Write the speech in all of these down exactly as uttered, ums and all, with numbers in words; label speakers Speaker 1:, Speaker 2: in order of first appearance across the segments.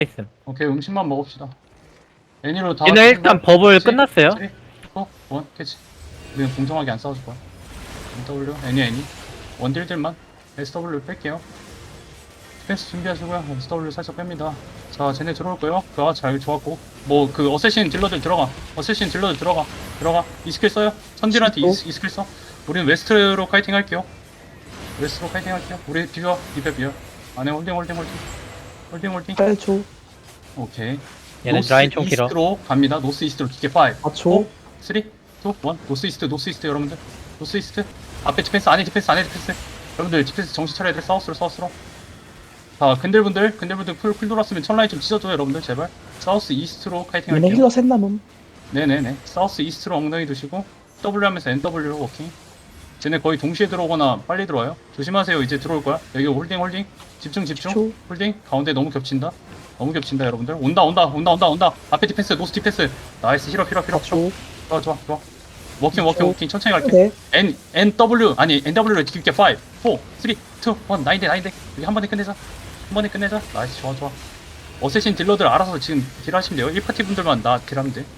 Speaker 1: 있음.
Speaker 2: 오케이, 음식만 먹읍시다. 애니로 다.
Speaker 1: 얘는 일단 버블 끝났어요.
Speaker 2: 삼, 이, 일, 캐치. 우리는 공정하게 안 싸워줄 거야. W, 애니, 애니. 원딜들만. 에스 더블유 뺄게요. 디펜스 준비하시고요. 에스 더블유 살짝 뺍니다. 자, 쟤네 들어올 거예요. 그아 잘 좋았고. 뭐, 그, 어쌔신 딜러들 들어가. 어쌔신 딜러들 들어가. 들어가. 이 스킬 써요. 선딜한테 이, 이 스킬 써. 우리는 웨스트로 카이팅 할게요. 웨스트로 카이팅 할게요. 우리 비벼. 비벼, 비벼. 안에 홀딩, 홀딩, 홀딩. 홀딩, 홀딩.
Speaker 3: 팔 초,
Speaker 2: 오케이.
Speaker 1: 얘는
Speaker 2: 노스
Speaker 1: 라인 총 길어.
Speaker 2: 이스트로 갑니다. 노스 이스트로 기계 오,
Speaker 3: 사 초,
Speaker 2: 삼, 이, 일. 노스 이스트, 노스 이스트 여러분들. 노스 이스트. 앞에 디펜스, 안에 디펜스, 안에 디펜스. 여러분들 디펜스 정신 차려야 돼. 사우스로, 사우스로. 자, 근들분들, 근들분들 풀, 풀 돌았으면 천라인 좀 찢어줘요, 여러분들, 제발. 사우스 이스트로 카이팅
Speaker 3: 얘네
Speaker 2: 할게요.
Speaker 3: 힐러 셋 남음.
Speaker 2: 네네네. 사우스 이스트로 엉덩이 두시고, W 하면서 엔 더블유로 워킹. 쟤네 거의 동시에 들어오거나 빨리 들어와요. 조심하세요, 이제 들어올 거야. 여기 홀딩, 홀딩. 집중, 집중.
Speaker 3: 초.
Speaker 2: 홀딩. 가운데 너무 겹친다. 너무 겹친다, 여러분들. 온다, 온다, 온다, 온다, 온다. 앞에 디펜스, 노스 디펜스. 나이스, 힐업, 힐업, 힐업.
Speaker 3: 사 초,
Speaker 2: 좋아, 좋아, 좋아. 워킹, 워킹,
Speaker 3: 초.
Speaker 2: 워킹. 천천히 갈게.
Speaker 3: 네,
Speaker 2: N, N, W. 아니, N, W를 깊게 오, 사, 삼, 이, 일. 나인데, 나인데. 여기 한 번에 끝내자. 한 번에 끝내자. 나이스, 좋아, 좋아. 어쌔신 딜러들 알아서 지금 딜하시면 돼요. 일 파티 분들만 나 딜하면 돼.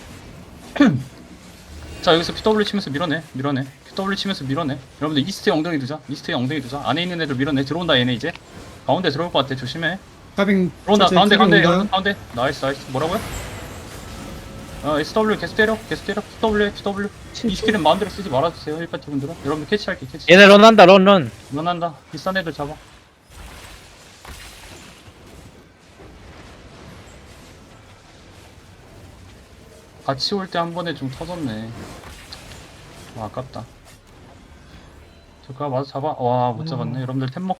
Speaker 2: 자, 여기서 피더블유 치면서 밀어내. 밀어내. 피더블유 치면서 밀어내. 여러분들 이스트에 엉덩이 두자. 이스트에 엉덩이 두자. 안에 있는 애들 밀어내. 들어온다, 얘네 이제. 가운데 들어올 것 같아. 조심해.
Speaker 4: 카빙
Speaker 2: 들어온다.
Speaker 4: 천천히
Speaker 2: 가운데, 가운데.
Speaker 4: 카빙
Speaker 2: 여러분,
Speaker 4: 온다.
Speaker 2: 가운데. 나이스, 나이스. 뭐라고요? 어, 에스 더블유 계속 때려. 계속 때려. 피더블유, 피더블유.
Speaker 3: 칠
Speaker 2: 이
Speaker 3: 초,
Speaker 2: 스킬은 마음대로 쓰지 말아주세요. 일 파티 분들은. 여러분들 캐치할게, 캐치.
Speaker 1: 얘네 런한다, 런, 런.
Speaker 2: 일어난다. 비싼 애들 잡아. 같이 올 때 한 번에 좀 터졌네. 와, 아깝다. 저거 맞아 잡아. 와, 못 잡았네. 여러분들 템 먹.